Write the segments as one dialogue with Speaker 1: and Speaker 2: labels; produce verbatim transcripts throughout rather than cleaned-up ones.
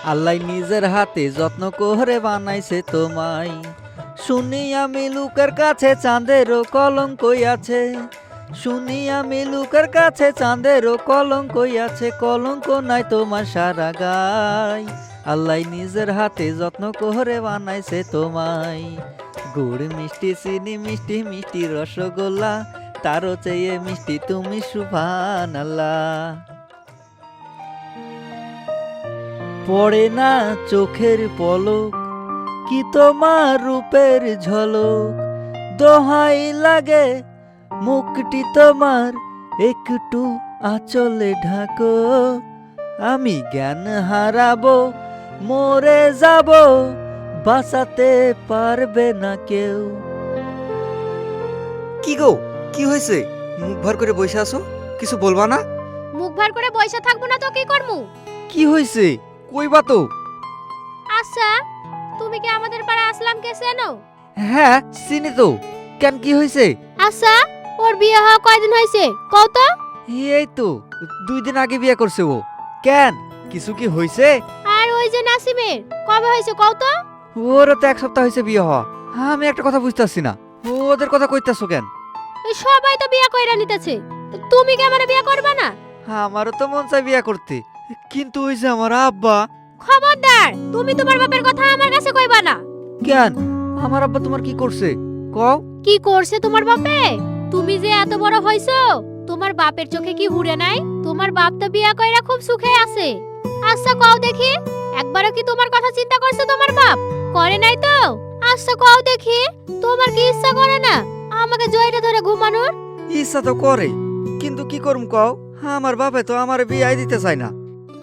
Speaker 1: আল্লাহ নিজের হাতে যত্ন করে বানাইছে তোমায়। শুনি আমি লোকের কাছে চাঁদেরও কলঙ্কই আছে, শুনি আমি লোকের কাছে চাঁদেরও কলঙ্কই আছে, কলঙ্ক নাই তোমার সারা গায়। আল্লাহ নিজের হাতে যত্ন করে বানাইছে তোমায়। গুড় মিষ্টি চিনি মিষ্টি মিষ্টি রসগোল্লা, তারও চেয়ে মিষ্টি তুমি সুবহানাল্লাহ। পড়ে না চোখের পলক, কি তোমার রূপের ঝলক, দোহাই লাগে মুখটি তোমার একটু আঁচলে ঢাকো, আমি জ্ঞান হারাবো মরে যাব, বাঁচাতে পারবে না কেউ।
Speaker 2: কি গো, কি হয়েছে? মুখ ভার করে বসে আছো, কিছু বলবা না?
Speaker 3: মুখ ভার করে বসে থাকবো না তো কি করমু?
Speaker 1: কি হয়েছে কইবা তো।
Speaker 3: আচ্ছা, তুমি কি আমাদের পাড়া আসলামকে চেনো?
Speaker 1: হ্যাঁ চিনি তো, কেন কি হয়েছে?
Speaker 3: আচ্ছা, ওর বিয়ে হওয়া কয়দিন হয়েছে কও তো?
Speaker 1: এই তো দুই দিন আগে বিয়ে করছে ও। কেন কিছু কি হয়েছে?
Speaker 3: আর ওই যে নাসিমের কবে হয়েছে কও তো?
Speaker 1: ওরও তো এক সপ্তাহ হয়েছে বিয়ে হওয়া। আমি একটা কথা বুঝতেছি না, ওদের কথা কইতাছো কেন?
Speaker 3: এই সবাই তো বিয়ে কইরা নিতেছে, তো তুমি কি আমারে বিয়ে করবা না?
Speaker 1: আমারও তো মন চাই বিয়ে করতে, কিন্তু ওই যে আমার আব্বা।
Speaker 3: খবরদার, তুমি তোমার বাপের কথা আমার কাছে কইবা না।
Speaker 1: কেন আমার আব্বা তোমার কি করছে কও?
Speaker 3: কি করছে তোমার বাপে? তুমি যে এত বড় হইছো, তোমার বাপের চোখে কি হুড়ে নাই? তোমার বাপ তো বিয়া কইরা খুব সুখে আছে। আচ্ছা কও দেখি, একবারও কি তোমার কথা চিন্তা করছে তোমার বাপ? করে নাই তো? আচ্ছা কও দেখি, তোমার কি ইচ্ছা করে না আমাকে জয়টা ধরে ঘুমানোর?
Speaker 1: ইচ্ছা তো করে, কিন্তু কি করুম কও, আমার বাপে তো আমার বিয়ে দিতে চায় না।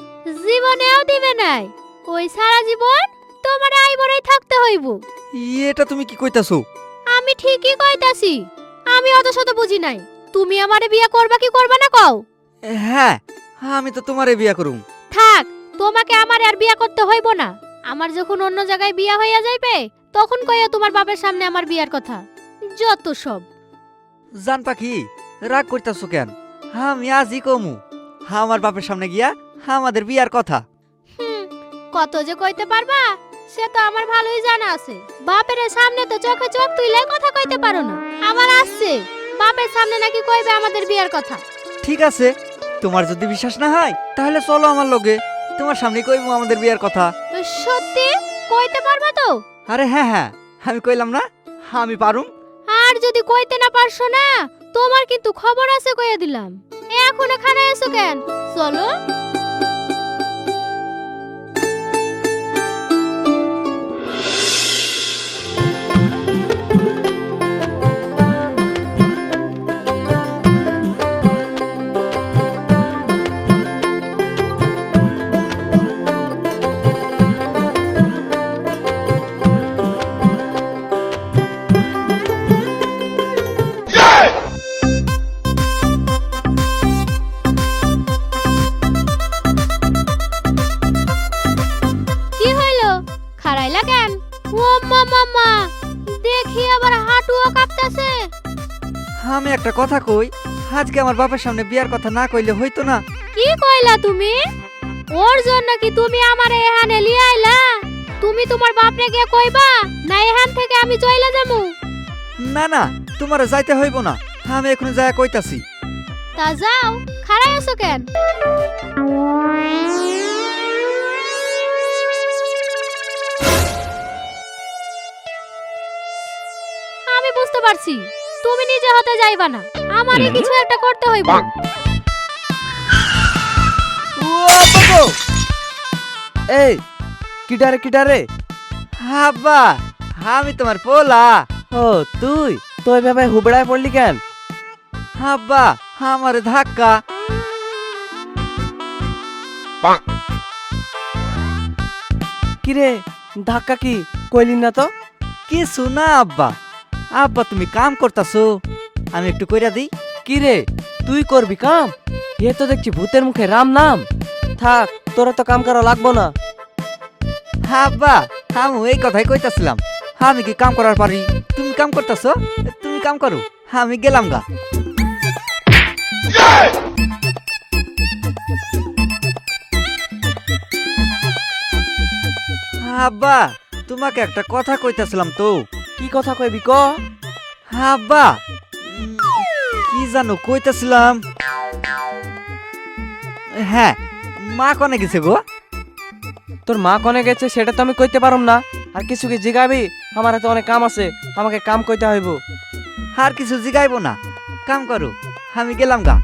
Speaker 3: জীবনেও দিবে নাই, ওই সারা জীবন তোমার আই বড়াই থাকতে হইব।
Speaker 1: এটা তুমি কি কইতাছো?
Speaker 3: আমি ঠিকই কইতাছি, আমি অত শত বুঝি নাই। তুমি আমারে বিয়া করবা কি করবা না কও?
Speaker 1: হ্যাঁ, আমি তো তোমারে বিয়ে করুম।
Speaker 3: থাক, তোমাকে আমার আর বিয়া করতে হইব না। আমার যখন অন্য জায়গায় বিয়া হইয়া যাইবে, তখন কইয়া তোমার বাপের সামনে আমার বিয়ার কথা। যত সব।
Speaker 1: জান পাখি, রাগ করতেছো কেন? আমি আজই কমু আমার বাপের সামনে গিয়া আমাদের বিয়ার কথা।
Speaker 3: হুম, কত যে কইতে পারবা সে তো আমার ভালোই জানা আছে। বাপের সামনে তো চোখে চোখ তুইলে কথা কইতে পারো না। আমার আসছে বাপের সামনে নাকি কইবে আমাদের বিয়ার কথা।
Speaker 1: ঠিক আছে, তোমার যদি বিশ্বাস না হয় তাহলে চলো আমার লগে, তোমার সামনে কইবো আমাদের বিয়ার কথা।
Speaker 3: সত্যি কইতে পারবা তো?
Speaker 1: আরে হ্যাঁ হ্যাঁ, আমি কইলাম না আমি পারুম।
Speaker 3: আর যদি কইতে না পারছো না, তোমার কিন্তু খবর আছে কইয়া দিলাম। এখন এখানে এসো কেন? চলো। কি হইলো? খারাইলা কেন? ও মামা, দেখি আবার হাঁটুও কাঁপতাছে।
Speaker 1: আমি একটা কথা কই, আজকে আমার বাপের সামনে বিয়ার কথা না কইলে হইতো না?
Speaker 3: কি কইলা তুমি? ওর জন্য কি তুমি আমারে এখানে লিয়ে আইলা? তুমি তোমার বাপরে গিয়ে কইবা না এখান থেকে আমি চইলা যামু?
Speaker 1: না না, তোমার যাইতে হইব না, আমি এখন যায়া কইতাছি।
Speaker 3: তা যাও, খাড়াই আছো কেন? আমি বুঝতে পারছি তুমি নিজে হতে যাইবা না, আমারই কিছু একটা করতে হইব।
Speaker 1: ও বাবু,
Speaker 2: এই কিডারে কিডারে?
Speaker 1: আব্বা আমি তোমার পোলা।
Speaker 2: ও তুই তো এভাবে হুবড়ায় পড়লি কেন?
Speaker 1: আব্বা আমার ধাক্কা।
Speaker 2: কিরে ধাক্কা কি কইলি না তো?
Speaker 1: কিছু না আব্বা। আব্বা তুমি কাম করতাছো, আমি একটু কইরা দিই।
Speaker 2: কিরে তুই করবি কাম? এ তো দেখছি ভূতের মুখে রাম নাম। থাক, তোরা তো কাম করা লাগবো না।
Speaker 1: আব্বা আমি এই কথাই কইতাছিলাম, আমি কি কাম করার পারি? তুমি কাম করতাছো, তুমি কাম করো, আমি গেলাম গা। আব্বা তোমাকে একটা কথা কইতাছিলাম তো।
Speaker 2: কি কথা কইবি ক?
Speaker 1: আব্বা উম, কি জানো কইতাছিলাম। হ্যাঁ, মা কনে গেছে গো?
Speaker 2: তোর মা কনে গেছে সেটা তো আমি কইতে পারুম না। আর কিছু কি জিগাবি? আমার হাতে অনেক কাম আছে, আমাকে কাম কইতে হইব।
Speaker 1: আর কিছু জিগাইবো না, কাম করো, আমি গেলাম গা।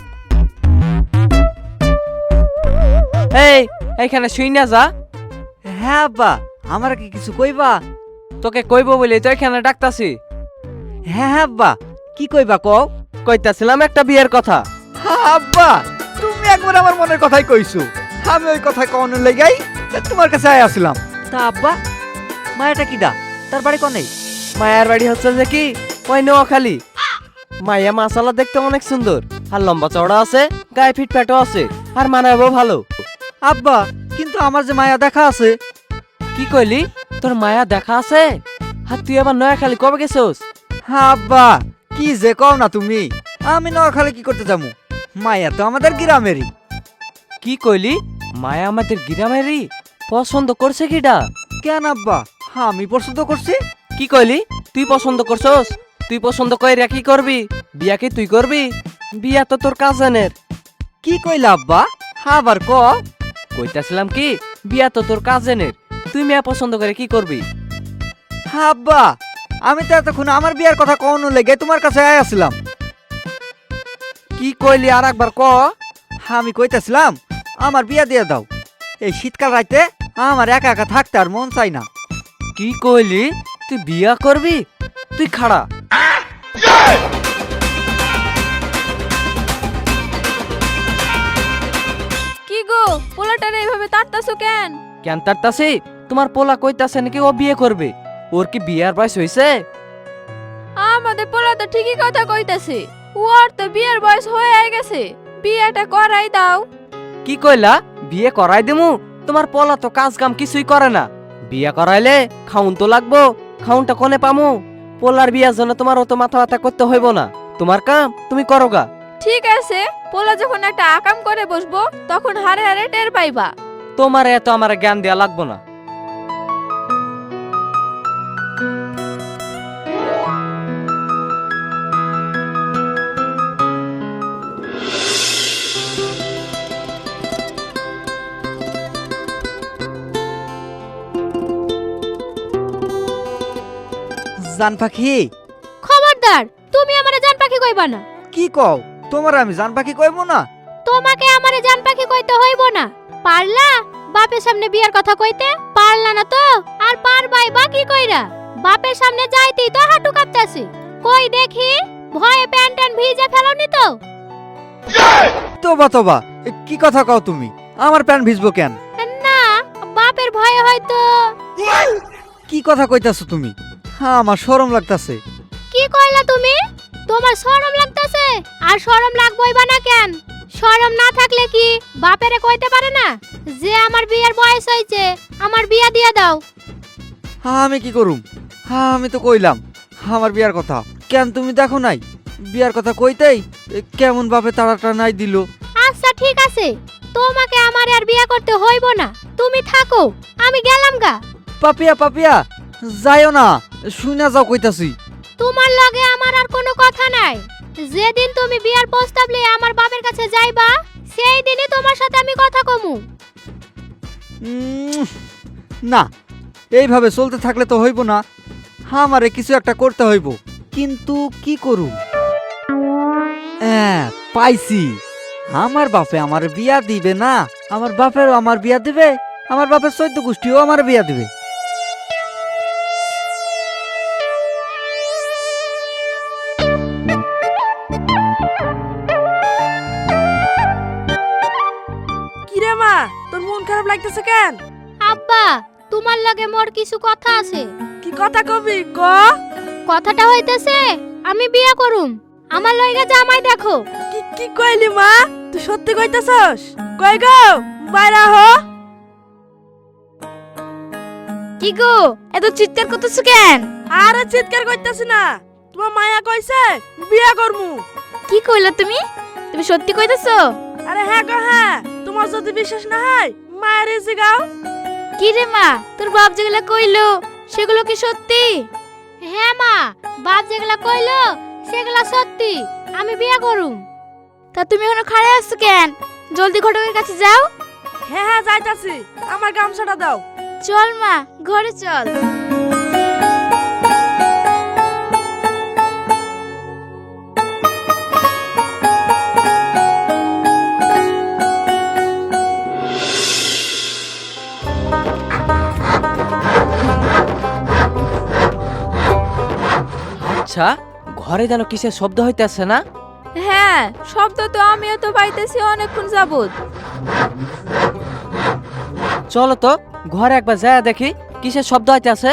Speaker 2: এই এইখানে শুই না যা।
Speaker 1: হ্যাঁ আব্বা, আমার কি কিছু কইবা?
Speaker 2: তোকে কইব বলি তো এখানে ডাকতাছি।
Speaker 1: হ্যাঁ হ্যাঁ আব্বা, কি কইবা কও?
Speaker 2: কইতাছিলাম একটা বিয়ের কথা।
Speaker 1: আব্বা তুমি একবার আমার মনের কথাই কইছো। আমি ওই কথা কওনের লাগাই তোমার কাছে আই আসলাম। তা আব্বা, মায়াটা কিডা? তার বাড়ি কোনে?
Speaker 2: মায়ের বাড়ি হচ্ছে যে কি ওই নোয়াখালী। মাইয়া মাসালা দেখতে অনেক সুন্দর, আর লম্বা চওড়া আছে, গায়ে ফিট ফ্যাটও আছে, আর মানাবো ভালো।
Speaker 1: আব্বা কিন্তু আমার যে মায়া দেখা আছে।
Speaker 2: কি কইলি? তোর মায়া দেখা আছে? আর তুই আবার নোয়াখালী কবে গেছোস?
Speaker 1: হ্যাঁ আব্বা, কি যে কও না তুমি। আমি নোয়াখালী কি করতে যাবো? মায়া তো আমাদের গ্রামেরই।
Speaker 2: কি কইলি? মায়া আমাদের গ্রামেরই? পছন্দ করছে কিডা?
Speaker 1: কেন আব্বা, আমি পছন্দ করছি।
Speaker 2: কি কইলি? তুই পছন্দ করছস? তুই পছন্দ কইরা কি করবি? বিয়া কি তুই করবি? বিয়া তো তোর কাজিনের।
Speaker 1: কি কইলা আব্বা, আবার ক।
Speaker 2: কইতাছিলাম কি বিয়া তো তোর কাজিনের, তুই মেয়া পছন্দ করে কি করবি?
Speaker 1: আব্বা আমি তো এতক্ষণ আমার বিয়ার কথা কওনো লেগে তোমার কাছে আই আসলাম।
Speaker 2: কি কইলি আর একবার ক।
Speaker 1: আমি কইতাছিলাম আমার বিয়া দিয়ে দাও। এই শীতকাল রাইতে আমার একা একা থাকতে আর মন চাই না।
Speaker 2: কি কইলি? তুই বিয়া করবি? তুই খাড়া।
Speaker 4: কি গো, পোলাটারে এইভাবে তাড়তাছো কেন?
Speaker 2: কেন তারতাছি? তোমার পোলা কইতাছে নাকি ও বিয়ে করবে। ওর কি বিয়ার বয়স হইছে?
Speaker 4: আমাদের পোলা তো ঠিকই কথা কইতাছে, ওর তো বিয়ের বয়স হয়ে গেছে, বিয়েটা করাই দাও।
Speaker 2: কি কইলা? বিয়ে করাই দিমু? তোমার পোলা তো কাজ কাম কিছুই করে না। বিয়ে করাইলে খাউন তো লাগবো, খাউনটা কোনে পামু? পোলার বিয়ার জন্য তোমার অত মাথা ব্যথা করতে হইব না, তোমার কাম তুমি করোগা।
Speaker 4: ঠিক আছে, পোলা যখন একটা আকাম করে বসবো তখন হারে হারে টের পাইবা।
Speaker 2: তোমার এত আমার জ্ঞান দেয়া লাগবো না।
Speaker 1: জান পাখি।
Speaker 3: খবরদার, তুমি আমারে জান পাখি কইবা না।
Speaker 1: কি কও? তোমার আমি জান পাখি কইবো না?
Speaker 3: তোমাকে আমারে জান পাখি কইতে হইব না। পারলা বাপের সামনে বিয়ার কথা কইতে? পারলা না তো আর পারবাই বা কি কইরা? বাপের সামনে যাইতেই তো হাঁটু কাঁপতাছে। কই দেখি, ভয়ে প্যান্ট ট্যান্ট ভিজে ফেলোনি তো?
Speaker 1: তোবা তোবা, এ কি কথা কও তুমি? আমার প্যান্ট ভিজবো কেন?
Speaker 3: না, বাপের ভয়ে হয়তো।
Speaker 1: কি কথা কইতাছো তুমি? হ্যাঁ, আমার শরম লাগতাছে।
Speaker 3: কি কইলা তুমি? তোমার শরম লাগতাছে? আর শরম লাগবই বা না কেন? শরম না থাকলে কি বাপেরে কইতে পারে না যে আমার বিয়ের বয়স হইছে, আমার বিয়া দিয়া দাও?
Speaker 1: হ্যাঁ, আমি কি করুম? হ্যাঁ, আমি তো কইলাম আমার বিয়ার কথা। কেন তুমি দেখো নাই? বিয়ার কথা কইতেই এ, কেমন ভাবে তাড়াটা নাই দিল।
Speaker 3: আচ্ছা ঠিক আছে, তোমাকে আমার আর বিয়া করতে হইব না, তুমি থাকো, আমি গেলাম গা।
Speaker 1: পাপিয়া পাপিয়া, যাইও না, শুইনা যাও কইতাছি।
Speaker 3: তোমার লগে আমার আর কোনো কথা নাই। যেদিন তুমি বিয়ার প্রস্তাব লয়ে আমার বাপের কাছে যাইবা, সেই দিনই তোমার সাথে আমি কথা কমু।
Speaker 1: উম, না, এইভাবে চলতে থাকলে তো হইব না। আমারে কিছু একটা করতে হইব, কিন্তু কি করু? হ্যাঁ, পাইছি। আমার বাপে আমার বিয়া দিবে না, আমার বাপেরও আমার বিয়া দিবে, আমার বাপের চৈদ্দ গোষ্ঠীও আমার বিয়া দিবে।
Speaker 4: কিরে মা, তোর মন খারাপ লাগতেছে কেন?
Speaker 3: আব্বা, তোমার লগে মোর কিছু কথা আছে।
Speaker 4: কি কথা কবি ক?
Speaker 3: কথাটা হইতেছে আমি বিয়া করুম, আমার লইগা জামাই দেখো।
Speaker 4: কি কি কইলি মা? তুই সত্যি কইতাছস? কই গো, বাইরা হ।
Speaker 3: কি গো, এত চিৎকার করতেছ কেন?
Speaker 4: আরে চিৎকার কইতাছি না, তোমার মায়া কইছে বিয়া করমু।
Speaker 3: কি কইলা তুমি? তুমি সত্যি কইতেছো?
Speaker 4: আরে হ্যাঁ গো হ্যাঁ, তোমার যদি বিশ্বাস না হয় মায়ের জিগাও। কি রে মা, তোর বাপ যেগুলো কইলো সেগুলো কি সত্যি?
Speaker 3: হ্যাঁ মা, বাপ যেগুলা কইলো সেগুলা সত্যি, আমি বিয়ে করুম।
Speaker 4: তা তুমি এখনো খাড়ে আসছো কেন? জলদি ঘটকের কাছে যাও।
Speaker 5: হ্যাঁ হ্যাঁ যাইতাছি, আমার গামছাটা দাও।
Speaker 4: চল মা, ঘরে চল।
Speaker 2: আচ্ছা, ঘরে যেন কিসের শব্দ হইতেছে না?
Speaker 4: হ্যাঁ, শব্দ তো আমিও তো পাইতেছি অনেকক্ষণ যাবত।
Speaker 2: চলো তো ঘরে একবার যায় দেখি কিসের শব্দ হইতেছে।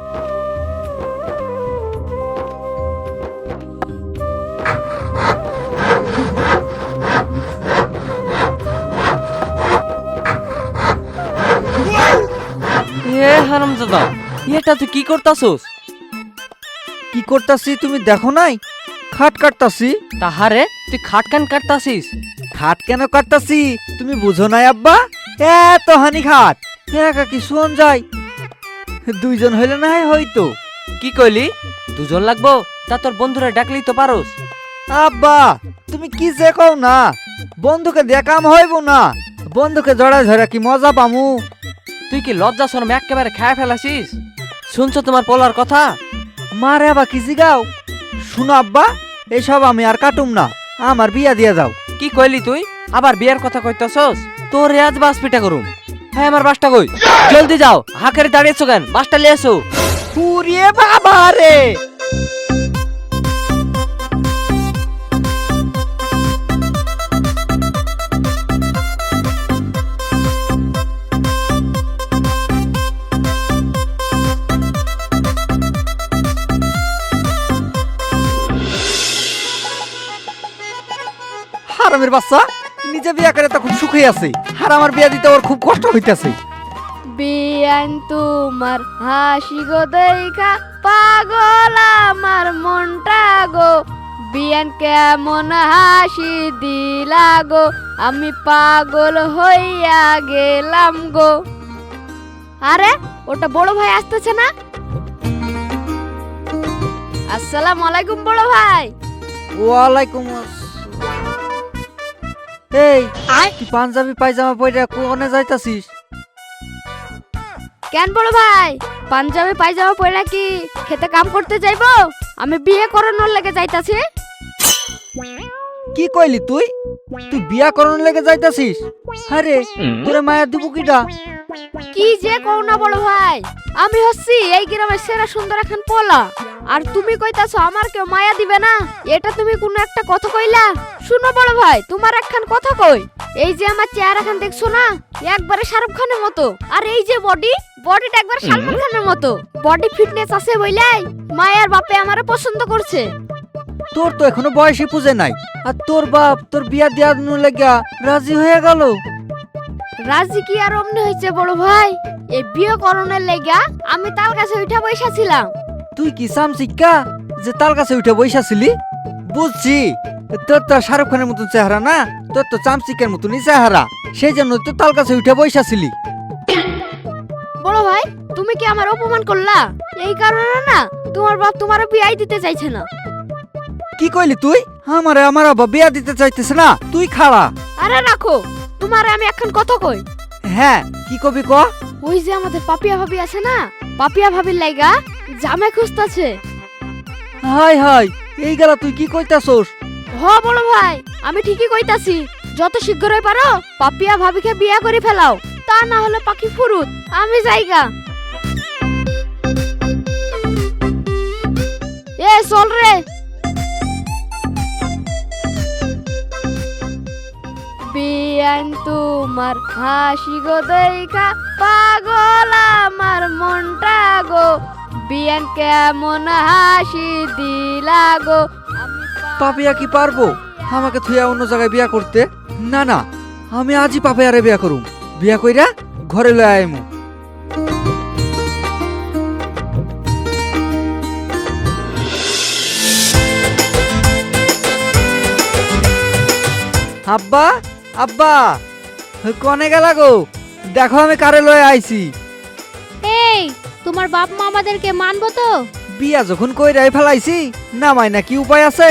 Speaker 2: এ হারামজাদা, এটা তুই কি করতাছস?
Speaker 1: কি করতাছি তুমি দেখো নাই? খাট কাটতাছি।
Speaker 2: তাহারে তুই খাট কান কাটতাছিস?
Speaker 1: খাট কেন কাটতাছি তুমি বুঝো নাই আব্বা? এত হানি খাট একা কি শোন যায়? দুইজন হইলে না হয় হইতো।
Speaker 2: কি কইলি? দুজন লাগবো? তা তোর বন্ধুরা ডাকলি তো পারোস।
Speaker 1: আব্বা তুমি কি যে কও না, বন্ধুকে দিয়ে কাম হইব না, বন্ধুকে জড়ায় ধরে কি মজা পামু?
Speaker 2: তুই কি লজ্জা শরম একেবারে খায় ফেলাছিস? শুনছো তোমার পোলার কথা?
Speaker 1: মারে আবার কি জিগাও? শুনো আব্বা, এসব আমি আর কাটুম না, আমার বিয়া দিয়ে যাও।
Speaker 2: কি কইলি তুই? আবার বিয়ের কথা কইতাছস? তোর আজ বাস পিটা করুম। হ্যাঁ, আমার বাসটা কই? জলদি যাও, হাঁকেরে দাঁড়িয়েছো কেন? বাসটা নিয়ে এসো।
Speaker 1: পুরিয়ে বাবা রে! হারামের বাচ্চা নিজে বিয়া করে তখন সুখে আছে, আর আমার বিয়া দিতে ওর খুব কষ্ট হইতাছে।
Speaker 4: বিয়ান তোমার হাসি গো দেখা পাগল আমার মনটা গো। বিয়ান কেমন হাসি দিলা গো, আমি পাগল হইয়া গেলাম গো। আরে ওটা বড় ভাই আসতেছে না? আসসালামু আলাইকুম বড় ভাই।
Speaker 1: ওয়ালাইকুম আসসালাম। এই তুই পাঞ্জাবি পায়জামা পরে কোনে যাইতাছিস?
Speaker 4: কেন বড় ভাই, পাঞ্জাবি পায়জামা পরে কি খেতে কাম করতে যাইবো? আমি বিয়ে করানোর লেগে যাইতাছি।
Speaker 1: কি কইলি তুই? তুই বিয়া করন লেগে যাইতাছিস? আরে তোরে মায়া দিব কিডা?
Speaker 4: কি যে কও না বড় ভাই, আমি হচ্ছি এই গ্রামের সেরা সুন্দর এখন পোলা, আর তুমি কইতাছো আমার কেউ মায়া দিবে না? এটা তুমি কোনো একটা কথা কইলা? শুনো বড় ভাই, তোমার একখান কথা কই, এই যে আমার চেহারা খান দেখছো না, একবারে শাহরুখ খানের মতো, আর এই যে বডি, বডিটা একবার সালমান খানের মতো। বডি ফিটনেস আছে বইলাই মায়ার বাপে আমারে পছন্দ করছে।
Speaker 1: তোর তো এখনো বয়সই পুজে নাই, আর তোর বাপ তোর বিয়া দেওয়ার লেগা রাজি হয়ে গেল।
Speaker 4: রাজি কি আর অমনি হয়েছে বড় ভাই, এই বিয়ে করণের লেগা আমি তার কাছে উঠা বসা ছিলাম।
Speaker 1: তুই কি সামসিক্কা যে তার কাছে উঠে বইসাছিলি? বুঝছি, তোর তো শাহরুখ খানের মতন চেহারা না, তোর তো চামচিকের মতনই চেহারা, সেই জন্য তো তার কাছে উঠে বইসাছিলি।
Speaker 4: বড় ভাই তুমি কি আমার অপমান করলা? এই কারণে না তোমার বাপ তোমার বিয়ে দিতে চাইছে না।
Speaker 1: কি কইলি তুই? আমারে আমার বাবা বিয়া দিতে চাইতেছে না? তুই খাড়া।
Speaker 4: আরে রাখো, তোমার আমি এখন কথা কই।
Speaker 1: হ্যাঁ কি কবি ক?
Speaker 4: ওই যে আমাদের পাপিয়া ভাবি আছে না, পাপিয়া ভাবির লাইগা জামাই খুঁজতাছে।
Speaker 1: হাই হাই, এই গেলা তুই কি কইতাছস?
Speaker 4: হ বড় ভাই, আমি ঠিকই কইতাছি, যত শীঘ্রই পারো পাপিয়া ভাবিকে বিয়ে করে ফেলাও, তা না হলে পাখি ফুরুত। আমি যাইগা। এ চল রে। বিয়ান তোমার হাসি গো দেখা পাগল আমার মনটা গো। বিয়ান কেমন হাসি দিলা গো।
Speaker 1: পাপিয়া কি পারবো আমাকে থুয়া অন্য জায়গায় বিয়া করতে? না না, আমি আজই পাপিয়ারে বিয়া করুম, বিয়া কইরা ঘরে লয়ে আইমু। আব্বা আব্বা, কনে গেলা গো? দেখো আমি কারে লয়ে আইছি।
Speaker 3: এই তোমার বাপ মা আমাদেরকে মানবো তো?
Speaker 1: বিয়া যখন কইরাই ফেলাইছি নামাই না কি উপায় আছে?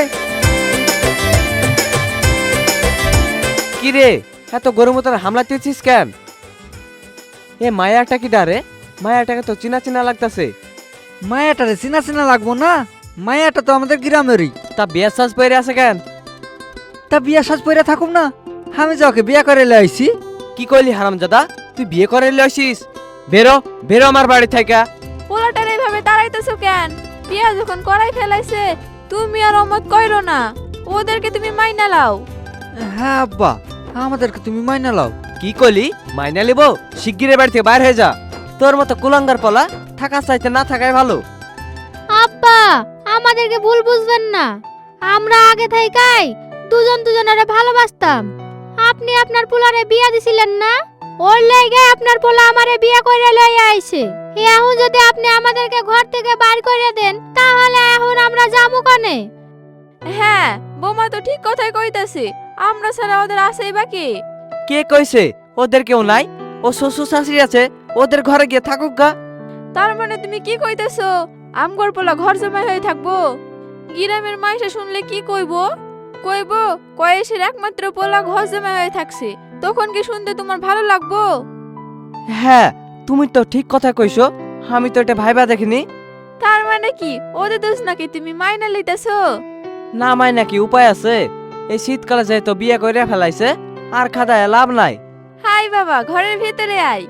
Speaker 2: কি রে এত গরম তোর হামলা দিয়েছিস কেন? এ মায়াটা কি ডারে? মায়াটাকে তো চিনা চিনা লাগতাছে।
Speaker 1: মায়াটারে চিনা চিনা লাগবো না? মায়াটা তো আমাদের গ্রামেরই।
Speaker 2: তা বিয়া সাজ পরে আছে কেন?
Speaker 1: তা বিয়া সাজ পইরা থাকুম না? আমি যাকে বিয়া করে লাইছি।
Speaker 2: কি কইলি হারামজাদা? তুই বিয়ে করে লইছিস? বেরো বেরো আমার বাড়ি থেকে।
Speaker 5: পোলাটার এইভাবে দাঁড়াইতেছো কেন? বিয়া যখন করাই ফেলাইছে তুমি আর অমত কইরো না, ওদেরকে তুমি মাইনা লাও।
Speaker 1: হ্যাঁ আব্বা, আমাদেরকে তুমি মাইনা লাও।
Speaker 2: কি কইলি? মাইনা লিব? শিগগিরের বাড়ি থেকে বাইর হয়ে যা। তোর মতো কুলাঙ্গার পলা থাকা চাইতে না থাকাই ভালো।
Speaker 3: আব্বা আমাদেরকে ভুল বুঝবেন না, আমরা আগে থেকেই দুজন দুজনের ভালোবাসতাম। আপনি আপনার পোলারে বিয়া দিছিলেন না, ওর লাইগে আপনার পোলা আমারে বিয়া করে লইয়া আইছে। এখন যদি আপনি আমাদেরকে ঘর থেকে বাইর করে দেন তাহলে এখন আমরা যাবো কানে?
Speaker 5: হ্যাঁ বৌমা তো ঠিক কথাই কইতাছে, আমরা ছাড়া ওদের আছেই বাকি।
Speaker 2: কে কইছে ওদের কেউ নাই? ও শ্বশুর শাশুড়ি আছে, ওদের ঘরে গিয়ে থাকুক গা।
Speaker 5: তার মানে তুমি কি কইতেছো আমগর পোলা ঘর জমাই হয়ে থাকবো? গ্রামের মাইসে শুনলে কি কইবো? কইবো কয়েসের একমাত্র পোলা ঘর জমাই হয়ে থাকছে, তখন কি শুনতে তোমার ভালো লাগবো?
Speaker 2: হ্যাঁ তুমি তো ঠিক কথা কইছো, আমি তো এটা ভাইবা দেখিনি।
Speaker 5: তার মানে কি ওদের দোষ নাকি তুমি মাইনা লইতেছো?
Speaker 2: না মাই নাকি উপায় আছে? এই শীতকালে যেহেতু বিয়ে করে ফেলাইছে আর খাদায় লাভ নাই।
Speaker 5: হাই বাবা, ঘরের ভিতরে আয়।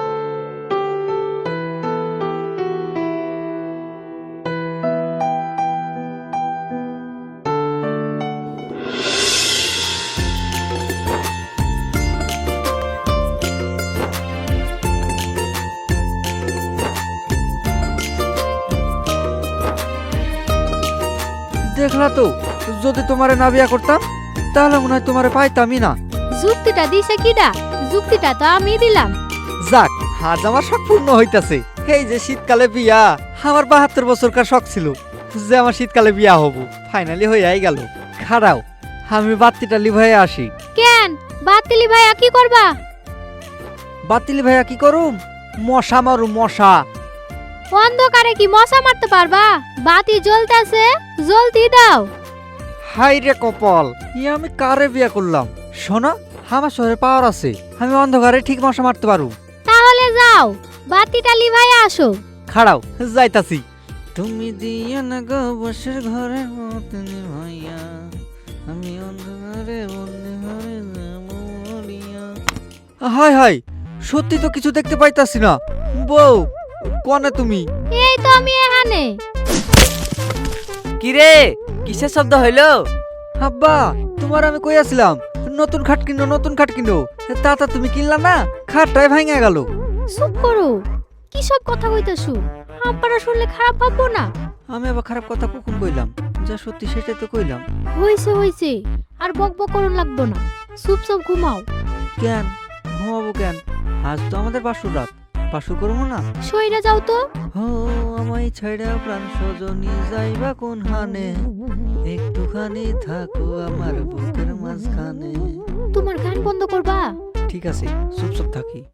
Speaker 1: দেখলা তো, যদি তোমারে না বিয়া করতাম তাহলে মনে হয় তোমারে পাইতামই না।
Speaker 3: যুক্তিটা দিছে কিডা? যুক্তিটা তো আমি দিলাম।
Speaker 1: যাক, আজ আমার শখ পূর্ণ হইতাছে। এই যে শীতকালে বিয়া, আমার বাহাত্তর বছরকার শখ ছিল যে আমার শীতকালে বিয়া হব, ফাইনালি হইয়াই গেল। খাড়াও, আমি বাত্তিটা লিভাইয়া আসি।
Speaker 3: কেন বাতিলি ভাইয়া কি করবা?
Speaker 1: বাতিলি ভাইয়া কি করুম? মশা মারু মশা।
Speaker 3: অন্ধকারে কি মশা মারতে পারবা? বাতি জ্বলতেছে, জ্বলতি দাও।
Speaker 1: হাই রে কপাল, ইয়া আমি কারে বিয়া করলাম? শোনা, আমার শহরে পাওয়ার আছে, আমি অন্ধকারে ঠিক মশা মারতে পারু।
Speaker 3: তাহলে যাও বাতিটা লিভাইয়া আসো।
Speaker 1: খাড়াও, যাইতাছি। তুমি দিয়া না গো বসের ঘরে মতনি ভাইয়া, আমি অন্ধকারে বন্দি হয়ে যাবো মরিয়া। হাই হাই, সত্যি তো কিছু দেখতে পাইতাছি না। বউ, কোনে তুমি?
Speaker 3: এই তো আমি এখানে।
Speaker 2: কি রে কিসের শব্দ হইলো?
Speaker 1: আব্বা, তোমার আমি কইয়াছিলাম নতুন খাট কিনো, নতুন খাট কিনো। তাতা তুমি কিনলা না, খাটটাই ভাঙা গেল।
Speaker 3: চুপ করো, কি সব কথা কইতাছো? আব্বারা শুনলে খারাপ ভাববো না?
Speaker 1: আমি আবার খারাপ কথা কখন কইলাম? যা সত্যি সেটাই তো কইলাম।
Speaker 3: হইছে হইছে, আর বক বক করুন লাগবো না, চুপচাপ ঘুমাও।
Speaker 1: কেন ঘুমাবো কেন? আজ তো আমাদের বাসুর রাত, বাসুর করবো না?
Speaker 3: সইরা যাও তো।
Speaker 1: ও আমায় ছাইড়া প্রাণ সজনী যাইবা কোন হানে, একটুখানি থাকো আমার বুকের মাঝখানে।
Speaker 3: তোমার গান বন্ধ করবা?
Speaker 1: ঠিক আছে, চুপ চুপ থাকি।